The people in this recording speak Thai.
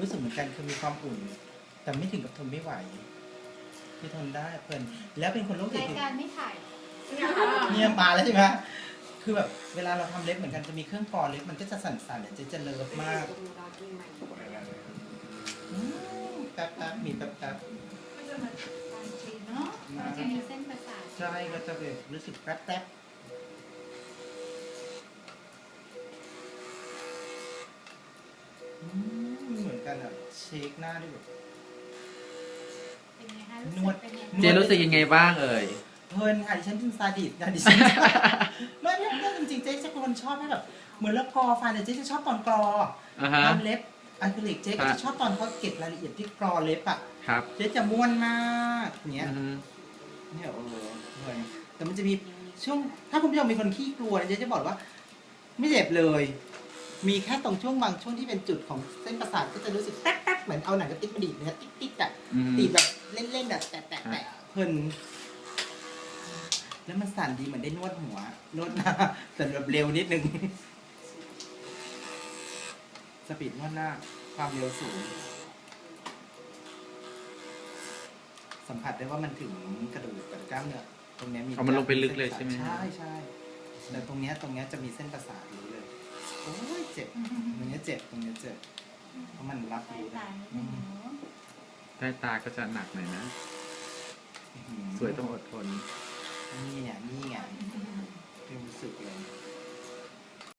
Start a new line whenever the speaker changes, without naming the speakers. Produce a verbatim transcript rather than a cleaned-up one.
รู้สึกเหมือนกันคือมีความอุ่นแต่ไม่ถึงกับทนไม่ไหวที่ทนได้เพลินแล้วเป็นคนโรคจิต
รายการไม่ถ่าย
เนี่ยมาแล้วใช่ไหมคือแบบเวลาเราทำเล็บเหมือนกันจะมีเครื่องกรองเล็บมันก็จะสั่นๆเดี๋ยวเจ๊จะเลิฟมากอืมแป๊บแป๊บมีแป๊บแป๊บ
การจีนเนาะมันจะมีเส้นประสาท
ใช่ก็จะแบบรู้สึกแป๊บแป๊บอืมเหมือนกันอ่ะเช็คหน้าด้วยแบบ
เป็นไงคะ
นวด
เป็นไง
เจนรู้สึกยังไงบ้างเอ่ย
เพลินค่ะดิฉันเป็นซาดิสนะดิฉัน ไม่ไม่ไม่จริงๆเจ๊จะเป็นคนชอบให้แบบเหมือนแล้วกรอฟันแต่เจ๊จะชอบตอนกรอ
อ่าฮะ
ทำเล็บอะคริลิกเจ๊ก็จะชอบตอนเขาเก็บรายละเอียดที่กรอเล็บอ่ะ
ครับ
เจ๊จะม้วนมากอย่างเงี้ย
อือฮึ
เนี่ยโอ้โหเหนื่อยแต่มันจะมีช่วงถ้าคุณผู้ชมเป็นคนขี้กลัวเนี่ยเจ๊จะบอกว่า ไม่เจ็บเลย มีแค่ตรงช่วงบางช่วงที่เป็นจุดของเส้นประสาทก็จะรู้สึกแป๊กๆเหมือนเอาหนังกระติกมาดีดเนื้อติ๊กๆอ่ะ
อืม
ตีแบบเล่นๆแบบแตะๆแตะเพลินแล้วมันสั่นดีเหมือนได้นวดหัวนวดหน้าแต่แบบเร็วนิดนึงสปีดนวดหน้าความเร็วสูง สัมผัสได้ว่ามันถึงกระดูกกับกล้ามเนื้อตรงเนี้ยมี
เอามันลงไปลึกเลยใช่ไหม
ใช่ใช่แต่ตรงเนี้ยตรงเนี้ยจะมีเส้นประสาทรู้เลยโอ้ยเจ็บตรงเนี้ยเจ็บตรงเนี้ยเจ็บเพราะมันรับ
สาย
รู้
ตา
ได้
นิดนึงเนาะ
ใต้ตาก็จะหนักหน่อยนะ
อื้อหือ
สวยต้องอดทน
นี่เนี่ยนี่ไงรู้สึกเลย